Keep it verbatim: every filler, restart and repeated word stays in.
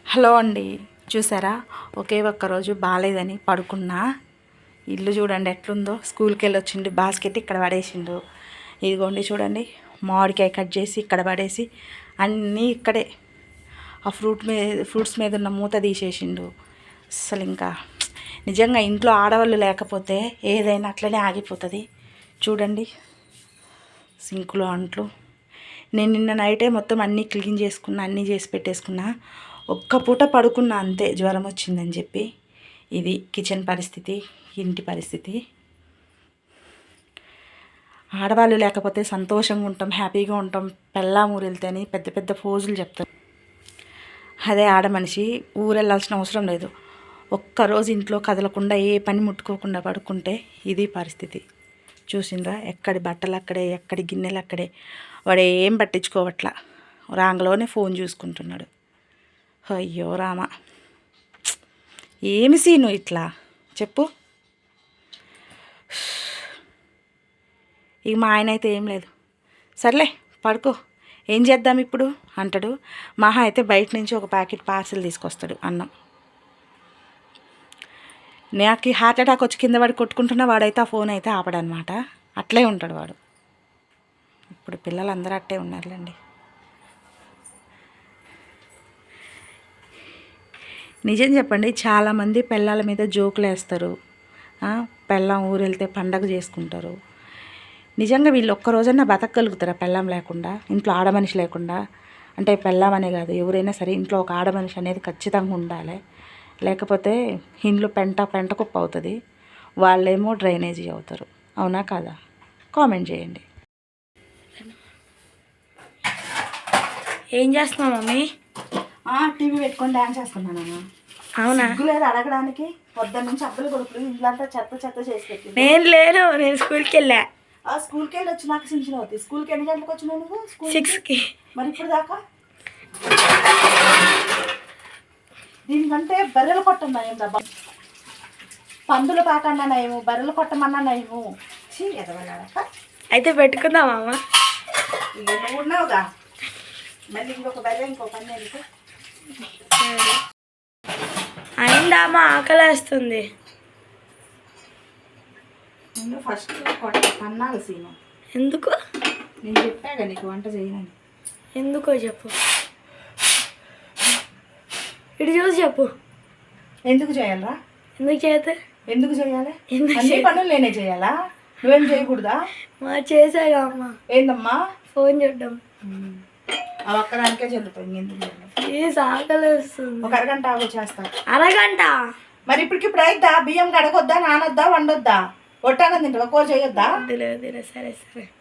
Hello అండి, చూసారా ఒకే ఒక్కరోజు బాగాలేదని పడుకున్నా. ఇల్లు చూడండి ఎట్లుందో. స్కూల్కి వెళ్ళి వచ్చిండు, బాస్కెట్ ఇక్కడ పడేసిండు. ఇదిగోండి చూడండి, మామిడికాయ కట్ చేసి ఇక్కడ పడేసి అన్నీ ఇక్కడే ఆ ఫ్రూట్ మీద ఫ్రూట్స్ మీద ఉన్న మూత తీసేసిండు. అసలు ఇంకా నిజంగా ఇంట్లో ఆడవాళ్ళు లేకపోతే ఏదైనా అట్లనే ఆగిపోతుంది. చూడండి సింకులో అంట్లు. నేను నిన్న నైటే మొత్తం అన్నీ క్లీన్ చేసుకున్నా, అన్నీ చేసి పెట్టేసుకున్నా. ఒక్క పూట పడుకున్నా అంతే, జ్వరం వచ్చిందని చెప్పి. ఇది కిచెన్ పరిస్థితి, ఇంటి పరిస్థితి. ఆడవాళ్ళు లేకపోతే సంతోషంగా ఉంటాం, హ్యాపీగా ఉంటాం. పెళ్ళాం ఊరు వెళ్తేని పెద్ద పెద్ద ఫోజులు చెప్తారు. అదే ఆడ మనిషి ఊరు వెళ్ళాల్సిన అవసరం లేదు. ఒక్కరోజు ఇంట్లో కదలకుండా ఏ పని ముట్టుకోకుండా పడుకుంటే ఇది పరిస్థితి. చూసిండ్రా, ఎక్కడి బట్టలు అక్కడే, ఎక్కడి గిన్నెలు అక్కడే. వాడు ఏం పట్టించుకోవట్లా, రాంగలోనే ఫోన్ చూసుకుంటున్నాడు. అయ్యో రామ, ఏమి సీను ఇట్లా చెప్పు. ఇక మా ఆయన అయితే ఏం లేదు, సర్లే పడుకో, ఏం చేద్దాం ఇప్పుడు అంటాడు. మహా అయితే బయట నుంచి ఒక ప్యాకెట్ పార్సిల్ తీసుకొస్తాడు అన్నం. నాకు హార్ట్ అటాక్ వచ్చి కింద పడి కొట్టుకుంటున్నా, వాడైతే ఆ ఫోన్ అయితే ఆపడనమాట. అట్లే ఉంటాడు వాడు. ఇప్పుడు పిల్లలందరూ అట్టే ఉన్నారులేండి. నిజం చెప్పండి, చాలామంది పెళ్ళాల మీద జోకులు వేస్తారు. పెళ్ళాం ఊరు వెళ్తే పండగ చేసుకుంటారు. నిజంగా వీళ్ళు ఒక్కరోజన్నా బతకగలుగుతారా పెళ్ళాం లేకుండా, ఇంట్లో ఆడమనిషి లేకుండా? అంటే పెళ్ళాం అనే కాదు, ఎవరైనా సరే ఇంట్లో ఒక ఆడమనిషి అనేది ఖచ్చితంగా ఉండాలి. లేకపోతే ఇంట్లో పెంట పెంట కుప్ప అవుతుంది, వాళ్ళేమో డ్రైనేజీ అవుతారు. అవునా కాదా? కామెంట్ చేయండి. ఏం చేస్తున్నావు మమ్మీ? టీవీ పెట్టుకొని డాన్స్ చేస్తున్నాను. అవునా? లేదు అడగడానికి. పొద్దున్న నుంచి అబ్బలు కొడుకులు ఇల్లంతా చెత్త చెత్త చేసి పెట్టి. నేను లేను, నేను స్కూల్కి వెళ్ళా. ఆ స్కూల్కి వెళ్ళి వచ్చి నాకు సించిన అవుతుంది. స్కూల్కి ఎన్ని గంటలకు వచ్చినావు నువ్వు? సిక్స్కి. మరి ఇప్పుడు దాకా దీనికంటే బర్రెలు కొట్టన్నా ఏం డబ్బా, పందులు పాకన్నా నయము, బర్రెలు కొట్టమన్నా నయము. చీ ఎదవలాడక. అయితే పెట్టుకుందామా అమ్మ? ఇక నువ్వు ఉన్నావుగా, మళ్ళీ ఇంకొక బర్రె ఇంకో పని ఎందుకు? అయిందా అమ్మ? ఆకలి వేస్తుంది. నేను ఫస్ట్ పన్నాలి సీను. ఎందుకు? నేను చెప్పాగా నీకు వంట చేయనని. ఎందుకో చెప్పు, ఇటు చూసి చెప్పు. ఎందుకు చేయాలరా? ఎందుకు చేస్తే? ఎందుకు చేయాలి? అన్ని పనులు నేనే చేయాలా? నువ్వేం చేయకూడదా? మా చేసాగా అమ్మ. ఏందమ్మా? ఫోన్ చూడడం. అవి ఒక్కదానికే చెల్లుతాయి. ఎందుకు ఆకలి వేస్తుంది. ఒక అరగంట ఆగు చేస్తా. అరగంట? మరి ఇప్పటికిప్పుడు అయిద్దా? బియ్యం కడగొద్దా, నానొద్దా, వండొద్దా? ఒట్టాగా తింటావా? కూర చేయొద్దా? సరే సరే.